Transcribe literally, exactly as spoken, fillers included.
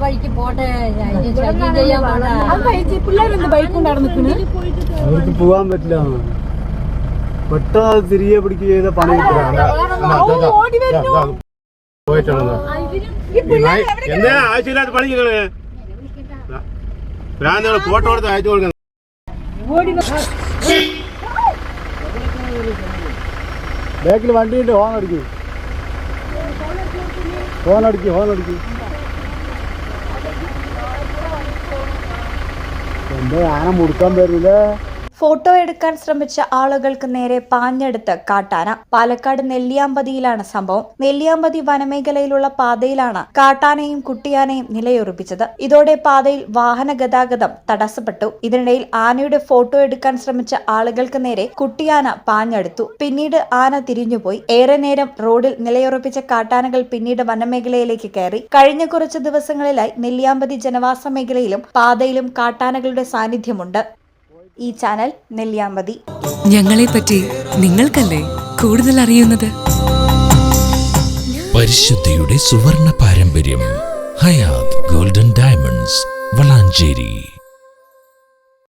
വഴിക്ക് പോട്ടെ, ചെയ്യാൻ അവർക്ക് പോവാൻ പറ്റില്ല. പെട്ടെന്ന് തിരികെ പിടിക്കുക ചെയ്ത പണി എന്താ ആവശ്യമില്ലാത്ത പണി ഫോട്ടോ എടുത്ത് അയച്ചു കൊടുക്കണം. ബാക്കിൽ വണ്ടിയുണ്ട്, ഹോൺ അടിക്കും, ഹോൺ അടിക്കും, ഹോൺ അടിക്കും. എന്താ ആന മുടുക്കാൻ വരില്ല. ഫോട്ടോ എടുക്കാൻ ശ്രമിച്ച ആളുകൾക്ക് നേരെ പാഞ്ഞെടുത്ത് കാട്ടാന. പാലക്കാട് നെല്ലിയാമ്പതിയിലാണ് സംഭവം. നെല്ലിയാമ്പതി വനമേഖലയിലുള്ള പാതയിലാണ് കാട്ടാനയും കുട്ടിയാനയും നിലയുറപ്പിച്ചത്. ഇതോടെ പാതയിൽ വാഹന ഗതാഗതം തടസ്സപ്പെട്ടു. ഇതിനിടയിൽ ആനയുടെ ഫോട്ടോ എടുക്കാൻ ശ്രമിച്ച ആളുകൾക്ക് നേരെ കുട്ടിയാന പാഞ്ഞെടുത്തു. പിന്നീട് ആന തിരിഞ്ഞുപോയി. ഏറെ നേരം റോഡിൽ നിലയുറപ്പിച്ച കാട്ടാനകൾ പിന്നീട് വനമേഖലയിലേക്ക് കയറി. കഴിഞ്ഞ കുറച്ച് ദിവസങ്ങളിലായി നെല്ലിയാമ്പതി ജനവാസ മേഖലയിലും പാതയിലും കാട്ടാനകളുടെ സാന്നിധ്യമുണ്ട്. ഈ ചാനൽ നെല്ലിയാമ്പതി. ഞങ്ങളെ പറ്റി നിങ്ങൾക്കല്ലേ കൂടുതൽ അറിയുന്നത്? പരിശുദ്ധിയുടെ സുവർണ പാരമ്പര്യം. Hayath golden diamonds, Valanchery.